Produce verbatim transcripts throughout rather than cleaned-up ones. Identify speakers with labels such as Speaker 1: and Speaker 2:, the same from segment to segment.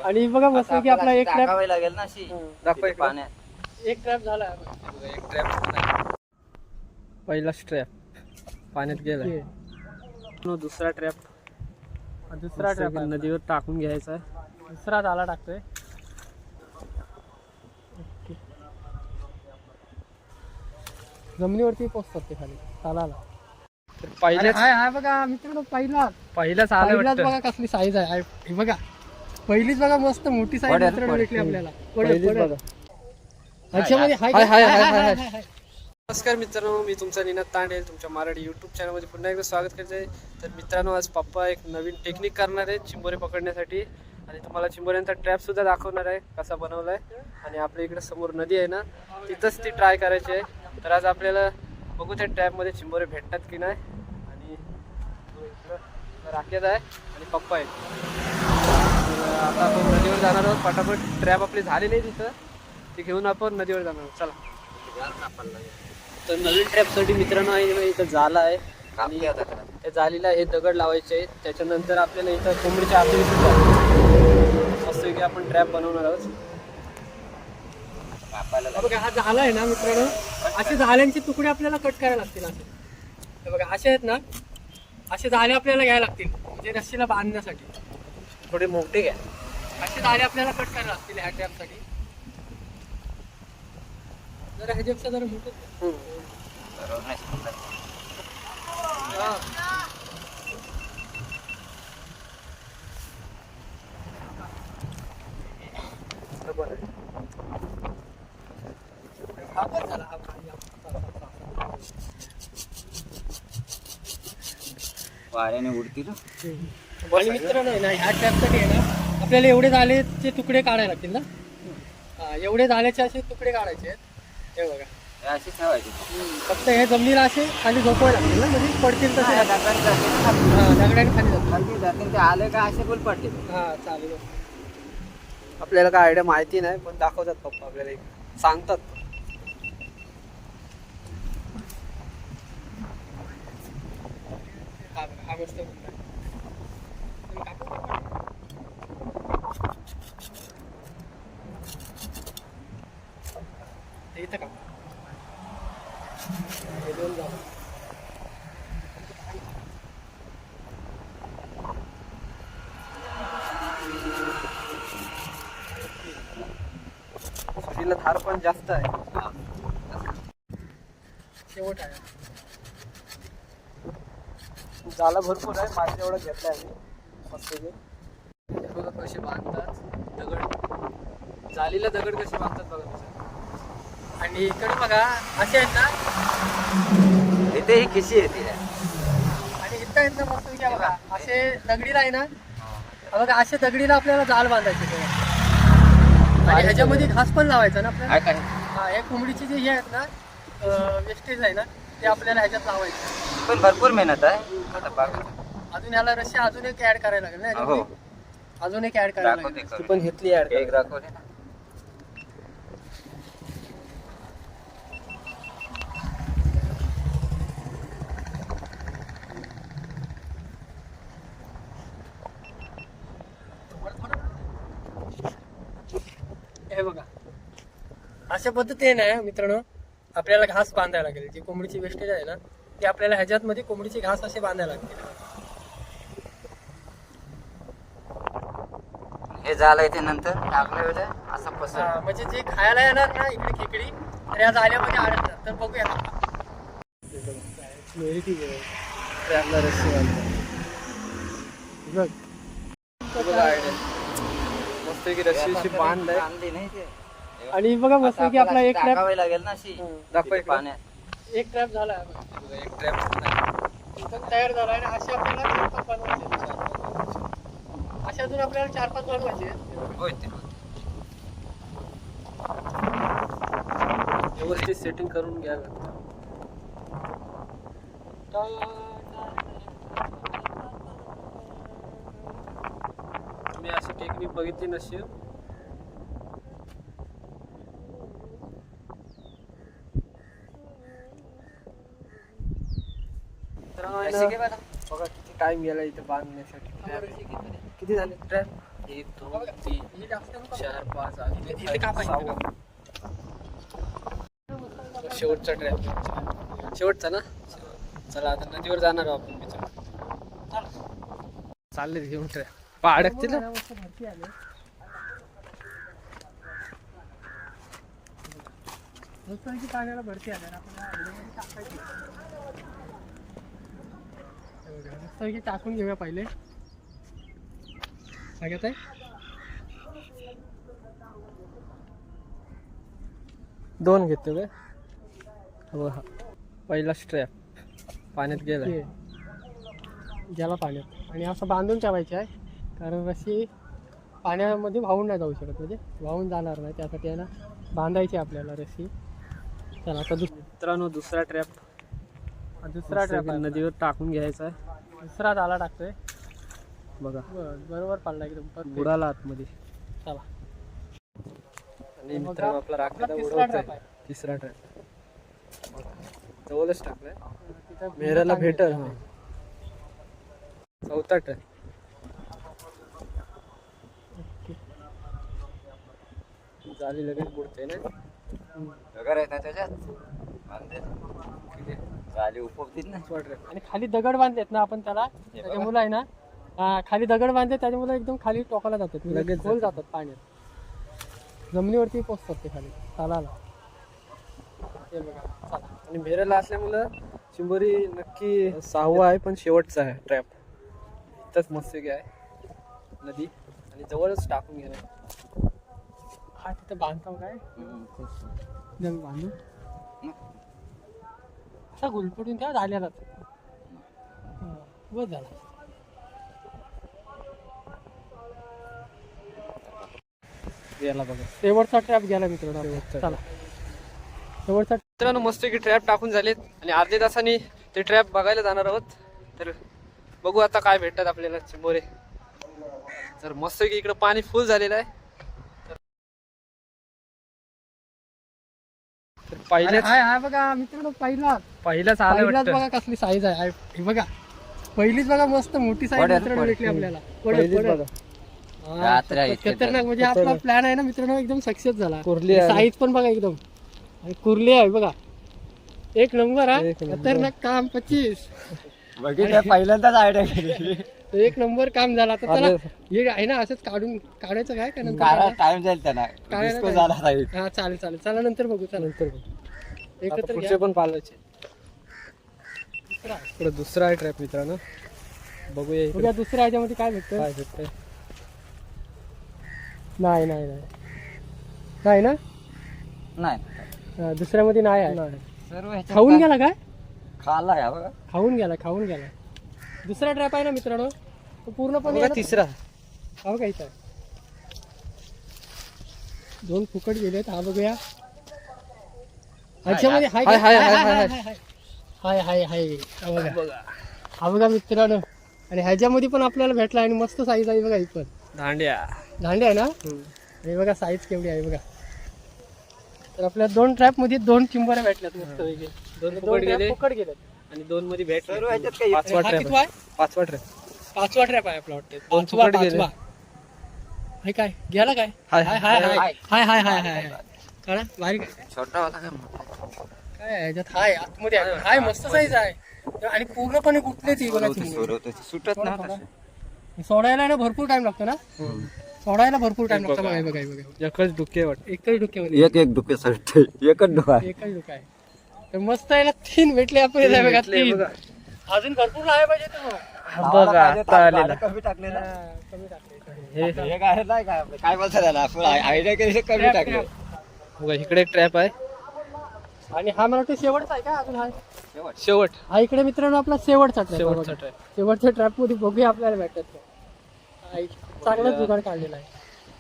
Speaker 1: आणि बघा मस्त की आपला एक ट्रॅप
Speaker 2: लागेल ना अशी
Speaker 1: दाखवा एक
Speaker 2: पाण्यात
Speaker 1: एक ट्रॅप झाला.
Speaker 2: एक ट्रॅप
Speaker 1: पहिला ट्रॅप पाण्यात गेला. दुसरा ट्रॅप दुसरा ट्रॅप नदीवर टाकून घ्यायचा आहे. दुसरा झाला टाकतोय. जमिनीवरती पोचतात ते खाली तालाला. पहिल्याच हाय हाय बघा मित्रांनो, पहिला पहिलाच आला पहिलाच बघा कसली साईज आहे. हे बघा पहिलीच बघा मस्त मोठी साईज मित्रांनो भेटली आपल्याला. बघा ह्याच्यामध्ये हाय हाय हाय हाय हाय. नमस्कार मित्रांनो, मी तुमचा निनाद तांडे तुमच्या मराठी यूट्यूब चॅनलमध्ये पुन्हा एकदा स्वागत करते. तर मित्रांनो, आज पप्पा एक नवीन टेक्निक करणार आहे चिंबोरे पकडण्यासाठी आणि तुम्हाला चिंबोऱ्यांचा ट्रॅप सुद्धा दाखवणार आहे कसा बनवला आहे. आणि आपल्या इकडे समोर नदी आहे ना, तिथंच ती ट्राय करायची आहे. तर आज आपल्याला बघू त्या ट्रॅपमध्ये चिंबोरे भेटतात की नाही. आणि राकेत आहे आणि पप्पा आहे. तर आता आपण नदीवर जाणार आहोत. फटाफट ट्रॅप आपली झालेली आहे तिथं, ती घेऊन आपण नदीवर जाणार आहोत. चला. तर नवीन ट्रॅपसाठी मित्रांनो आहे इथं जाळं आहे आणि त्या जाळीला हे दगड लावायचे आहेत. त्याच्यानंतर आपल्याला इथं कोंबडीच्या आतून सुद्धा मस्तपैकी आपण ट्रॅप बनवणार आहोत. बघा हा झाला आहे ना मित्रांनो, असे झाल्यांचे तुकडे आपल्याला कट करायला लागतील. असे बघा असे आहेत ना, असे झाले आपल्याला घ्यायला लागतील म्हणजे रस्सीला बांधण्यासाठी. थोडे मोठे घ्या. असे झाले आपल्याला कट करायला लागतील ह्या ट्रॅपसाठी. जरा ह्याच्यापेक्षा जरा मोठं
Speaker 2: वाऱ्याने उडतील.
Speaker 1: आणि मित्रांनो आहे ना, ह्या ट्रॅपसाठी आहे ना आपल्याला एवढे झालेचे तुकडे काढायला लागतील ना. हा, एवढे झाल्याचे असे तुकडे काढायचे आहेत. हे बघा
Speaker 2: अशी ठेवायची.
Speaker 1: फक्त हे जमिनीला असे खाली झोपवायला लागतील ना, म्हणजे पडतील तसे. दगडाने खाली जातील
Speaker 2: जातील ते आले का असे बोल पडतील.
Speaker 1: हा चालेल. आपल्याला काय आयडिया माहिती नाही, पण दाखवतात पप्पा आपल्याला, एक सांगतात. हा मस्त इथं का सुरीला धार पण जास्त आहे. शेवट आहे. जाला भरपूर आहे. माझ्या एवढं घेतलाय आम्ही मस्त. बघा कसे बांधतात दगड, जालीला दगड कसे बांधतात बघा कसं. आणि इकडे बघा असे आहेत ना,
Speaker 2: इथे ही खिशी येते
Speaker 1: आणि इथं आहेत ना मस्त घ्या बघा असे दगडीला आहे ना. बघा असे दगडीला आपल्याला जाल बांधायचे आणि ह्याच्यामध्ये घास पण लावायचा ना आपल्याला. हा, हे कोंबडीचे जे हे आहेत ना वेस्टेज आहे ना, ते आपल्याला ह्याच्यात लावायचे.
Speaker 2: पण भरपूर मेहनत आहे.
Speaker 1: अजून ह्याला रस्सी अजून एक ऍड करायला लागेल ना. अजून एक ऍड करायला लागेल. पण घेतली ऍड
Speaker 2: एक दाखवले ना.
Speaker 1: हे बघा अशा पद्धतीने मित्रांनो आपल्याला घास बांधायला लागेल. जी कोंबडीची वेस्टेज आहे ना, ती आपल्याला ह्याच्यात मध्ये कोंबडीची घास असे बांधायला लागतील.
Speaker 2: हे झालं इथे नंतर टाकलं होतं असं पसर,
Speaker 1: म्हणजे जे खायला येणार ना इकडे खेकडी तर या जाळ्यामध्ये अडकतात. तर बघूया मस्त की रस्सीची बांध आहे. आणि बघा मस्त की आपला एक ट्रॅप
Speaker 2: लागेल ना अशी
Speaker 1: दाखवा
Speaker 2: पाण्यात.
Speaker 1: एक ट्रॅप झाला.
Speaker 2: एक ट्रॅप
Speaker 1: तयार झाला आणि असे आपल्याला चार पाच बनवायचे. असे अजून आपल्याला चार पाच बनवायचे. व्यवस्थित सेटिंग करून घ्यावं. मी अशी टेक्निक बघितली नसेल. बघा किती टाइम गेला इथे बांधण्यासाठी. किती झाले ट्रॅप? एक दोन तीन चार पाच आणि इथे का पाहिजे शेवटचा ट्रॅप शेवटचा ना. चला आता नदीवर जाणार आहोत आपण. चालले घेऊन ट्रॅप पा अडकतील ना. पाण्याला भरती आल्या टाकून घेऊया पहिले. सगळ्यात आहे दोन घेतो काय. हो हा पहिला स्ट्रॅप पाण्यात गेला गेला पाण्यात आणि असं बांधून ठेवायचं आहे कारण रशी पाण्यामध्ये वाहून नाही जाऊ शकत म्हणजे वाहून जाणार नाही त्यासाठी आहे ना बांधायची आपल्याला रशी. चला आता दुस मित्रांनो दुसरा ट्रॅप दुसरा ट्रॅप नदीवर टाकून घ्यायचा आहे. दुसरा झाला टाकतोय बघा बरोबर पडला एकदम बुडाला आतमध्ये. चला आणि मित्रांनो आपला राखेला उडवतोय तिसरा ट्रॅप जवळच टाकलाय मेहराला भेटल. हा चौथा ट्रॅप झाली लगेच बुडते ना.
Speaker 2: दगड आहेत ना त्याच्यात झाली उपवतील ना.
Speaker 1: आणि खाली दगड बांधलेत ना आपण त्याला त्याच्यामुळे आहे ना खाली दगड बांधले त्याच्यामुळे एकदम खाली टोकाला जातात लगेच खोल जातात पाण्यात जमिनीवरती पोचतात ते खाली चालायला. ते बघा आणि मेहराला असल्यामुळं चिंबोरी नक्की सहावा आहे पण शेवटचा आहे ट्रॅप. इथंच मस्त आहे नदी आणि जवळच टाकून घेणार. हा तिथं बांधतो काय बांधू असा गुलपटून त्या झालेला बस झाला. गेला बघा शेवटचा ट्रॅप गेला मित्रांनो. चला शेवटचा मित्रांनो मस्त की ट्रॅप टाकून झालेत आणि अर्ध्या तासांनी ते ट्रॅप बघायला जाणार आहोत. तर बघू आता काय भेटतात आपल्याला चिंबोरे. तर मस्त की इकडे पाणी फुल झालेलं आहे. तर पहिलेच हाय बघा मित्रांनो पहिला पहिलाच आलं बघा कसली साईज आहे. हे बघा पहिलीच बघा मस्त मोठी साईज मित्रांनो भेटली आपल्याला. खतरनाक म्हणजे आपला प्लॅन आहे ना मित्रांनो एकदम सक्सेस झाला. कुर्ली साईज पण बघा एकदम आणि कुर्ली आहे बघा एक नंबर. हा खतरनाक काम पच्चीस
Speaker 2: पहिल्यांदाच आयडिया केली.
Speaker 1: एक नंबर काम झाला. तर त्याला हे आहे ना असंच काढून काढायचं काय
Speaker 2: टाइम जाईल त्याला.
Speaker 1: हा चालेल चालेल चला नंतर बघू. चला नंतर बघू एकत्र पुढचे पण पालवायचे. पुढे दुसरा आहे ट्रॅप मित्रांनो बघूया दुसऱ्या ह्याच्यामध्ये काय भेटतं. काय भेटतंय नाही नाही नाही नाही ना
Speaker 2: नाही
Speaker 1: दुसऱ्यामध्ये नाही आहे.
Speaker 2: सर्व
Speaker 1: खाऊन गेला काय
Speaker 2: खाल्ला का बघा
Speaker 1: खाऊन गेला खाऊन गेला. दुसरा ट्रॅप आहे ना मित्रांनो तो पूर्णपणे तिसरा हा काय आहे दोन फुकट गेलेत. हा बघूया ह्याच्यामध्ये हाय हाय हाय हाय हाय हाय बघा हा बघा मित्रांनो. आणि ह्याच्यामध्ये पण आपल्याला भेटला आणि मस्त साईज आहे बघा. ही पण दांड्या दांड्या आहे ना. आणि बघा साईज केवढी आहे बघा. तर आपल्या दोन ट्रॅप मध्ये दोन चिंबोऱ्या भेटल्यात मस्त वेगळे. दोन फुकट गेले फुकट गेलेत आणि दोन मध्ये भेटले. पाचवा ट्रॅप पाचवा ट्रॅप पाचवा ट्रॅप आहे आपला वाटतं. दोन फुकट गेले. हाय काय गेला काय हाय हाय हाय हाय हाय हाय हाय काय बारीक
Speaker 2: छोटा होता
Speaker 1: काय ह्याच्यात हाय आतमध्ये हाय मस्त साईज आहे आणि पूर्णपणे गुंतले ती बघा.
Speaker 2: सुटत ना
Speaker 1: सोडायला ना भरपूर टाइम लागतो ना. सोडायला भरपूर टाइम लागतो बघा बघा बघा. एकच डुके वाटत एकच डुके
Speaker 2: एक एक डुके सट एकच डुका
Speaker 1: एकच डुका आहे. तर मस्त आहे ना तीन भेटले आपल्याला बघा. तीन अजून भरपूर आहे पाहिजे तो बघा आता आलेला कमी टाकलेला कमी टाकले. हे
Speaker 2: काय नाही काय काय बोलता त्याला आपण आयडिया केली कमी टाकले
Speaker 1: बघा. इकडे एक ट्रॅप आहे आणि हा मला वाटतं शेवटचा आहे का अजून. हा शेवट शेवट हा इकडे मित्रांनो आपला शेवटचा ट्रॅप. शेवटचा ट्रॅप शेवटच्या ट्रॅप मध्ये बघूया आपल्याला भेटत. चांगलाच जुगाड काढलेला आहे.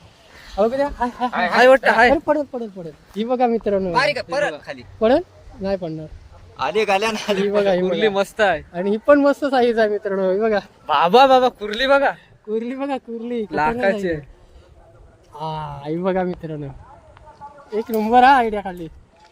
Speaker 1: पडत पडत पडत ही बघा मित्रांनो
Speaker 2: खाली
Speaker 1: पडत नाही पडणार.
Speaker 2: आली गाल्या
Speaker 1: ही बघा ही कुर्ली मस्त आहे आणि ही पण मस्त साईज आहे मित्रांनो. ही बघा बाबा बाबा कुर्ली बघा कुर्ली बघा कुर्ली लाखाची. हा ही बघा मित्रांनो एक नंबर हा आयडिया खाली.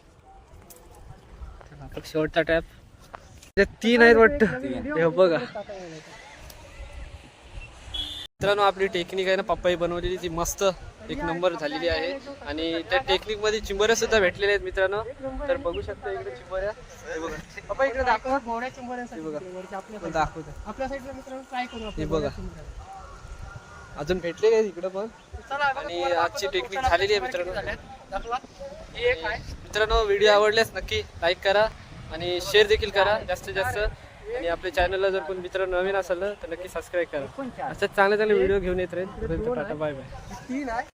Speaker 1: शेवटचा टॅप तीन आहेत वाटतं. बघा मित्रांनो आपली टेक्निक आहे ना पप्पाई बनवलेली ती मस्त एक नंबर झालेली आहे आणि त्या टेक्निक मध्ये चिंबोऱ्या सुद्धा भेटलेल्या आहेत मित्रांनो. तर बघू शकता इकडे चिंबोऱ्या हे बघा पप्पा इकडे दाखवा मोड्या चिंबोऱ्यांसाठी बघा दाखवतो आपल्या साईडला मित्रांनो ट्राय करू हे बघा अजून भेटले काय इकडे पण. आणि आजची टेक्निक झालेली आहे मित्रांनो. मित्रांनो व्हिडिओ आवडल्यास नक्की लाईक करा आणि शेअर देखील करा जास्तीत जास्त. आणि आपल्या चॅनलला जर कोण मित्र नवीन असेल तर नक्की सबस्क्राईब करा. अशाच चांगले चांगले व्हिडिओ घेऊन येत राहील. Bye bye.